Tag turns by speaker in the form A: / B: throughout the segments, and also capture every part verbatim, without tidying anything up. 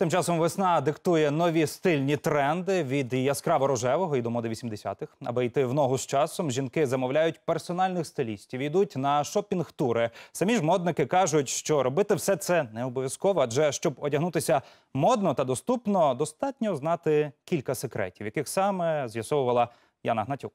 A: Тим часом весна диктує нові стильні тренди від яскраво-рожевого і до моди вісімдесятих. Аби йти в ногу з часом, жінки замовляють персональних стилістів, йдуть на шопінг-тури. Самі ж модники кажуть, що робити все це не обов'язково, адже щоб одягнутися модно та доступно, достатньо знати кілька секретів, яких саме з'ясовувала Яна Гнатюк.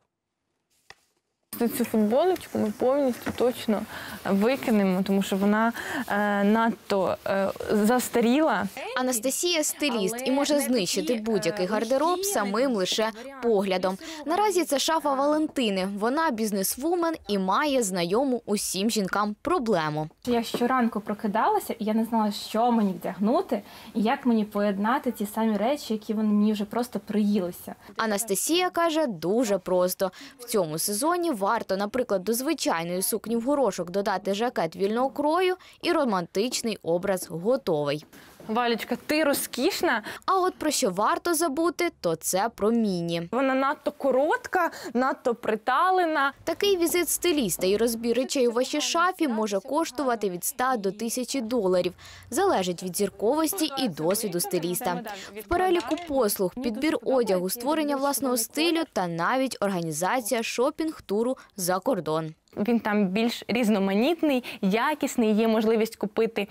B: Цю футболочку ми повністю точно викинемо, тому що вона е, надто е, застаріла.
C: Анастасія – стиліст і може знищити будь-який гардероб самим лише поглядом. Наразі це шафа Валентини. Вона бізнесвумен і має знайому усім жінкам проблему.
D: Я щоранку прокидалася, і я не знала, що мені вдягнути, і як мені поєднати ті самі речі, які вони мені вже просто приїлися.
C: Анастасія каже, дуже просто. В цьому сезоні варто, наприклад, до звичайної сукні в горошок додати жакет вільного крою і романтичний образ готовий.
B: Валечка, ти розкішна.
C: А от про що варто забути, то це про міні.
B: Вона надто коротка, надто приталена.
C: Такий візит стиліста і розбір речей у вашій шафі може коштувати від ста до тисячі доларів. Залежить від зірковості і досвіду стиліста. В переліку послуг – підбір одягу, створення власного стилю та навіть організація шопінг-туру за кордон.
B: Він там більш різноманітний, якісний, є можливість купити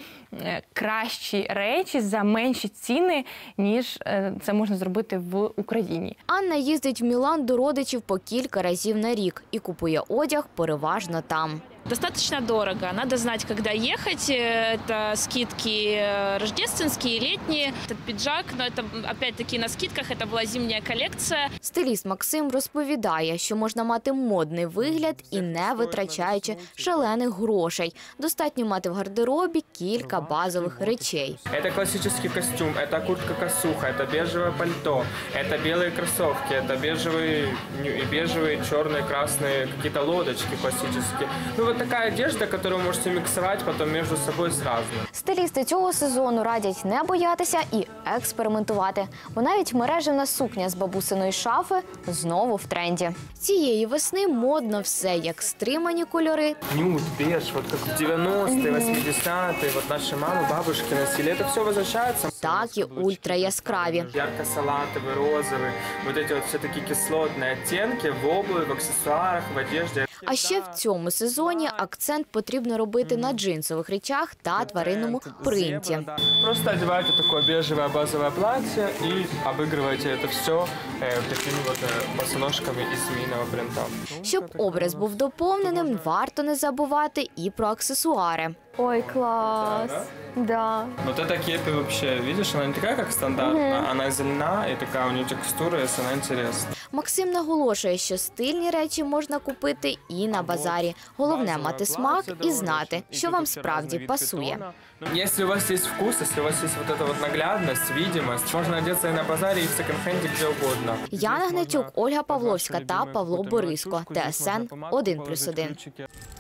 B: кращі речі за менші ціни, ніж це можна зробити в Україні.
C: Анна їздить в Мілан до родичів по кілька разів на рік і купує одяг переважно там.
E: Достаточно дорого. Надо знать, когда ехать. Это скидки рождественские, летние. Этот пиджак, но это опять-таки на скидках. Это была зимняя коллекция.
C: Стиліст Максим розповідає, що можна мати модний вигляд і не витрачаючи шалених грошей. Достатньо мати в гардеробі кілька базових речей.
F: Это классический костюм, это куртка-косуха, это бежевое пальто, это белые кроссовки, это бежевые, бежевые, черные, красные какие-то лодочки классические. Ну, вот такая одежда, которую вы можете миксовать потом между собой сразу.
C: Стилісти цього сезону радять не боятися і експериментувати. Бо навіть мережевна сукня з бабусиної шафи знову в тренді. Цієї весни модно все, як стримані кольори.
F: Нюд, беж, вот как в девяностые, восьмидесятые, вот наши мамы, бабушки носили. Это все возвращается.
C: Так і ультраяскраві.
F: Ярко-салатовый, розовый, вот эти вот все-таки кислотные оттенки в обуви, в аксессуарах, в одежде.
C: А ще в цьому сезоні акцент потрібно робити на джинсових речах та тваринному принті.
F: Просто одеваете такое бежевое базовое платье и обыгрываете это все такими вот босоножками из змеиного принта.
C: Щоб образ був доповненим, варто не забувати і про аксесуари.
B: Ой, клас! Да.
F: Вот эта кепи вообще, видишь, она не такая, как стандартная, угу. Она зелена и такая у нее текстура, и она интересна.
C: Максим наголошує, що стильні речі можна купити і на базарі. Головне – мати смак і знати, що вам справді пасує.
F: Если у вас есть вкус, если у вас есть вот эта вот наглядность, видимость, можно одеться и на базаре, и в секонд-хенде, где угодно.
C: Яна Гнатюк, Ольга Павловська та Павло Бориско. Т С Н один плюс один.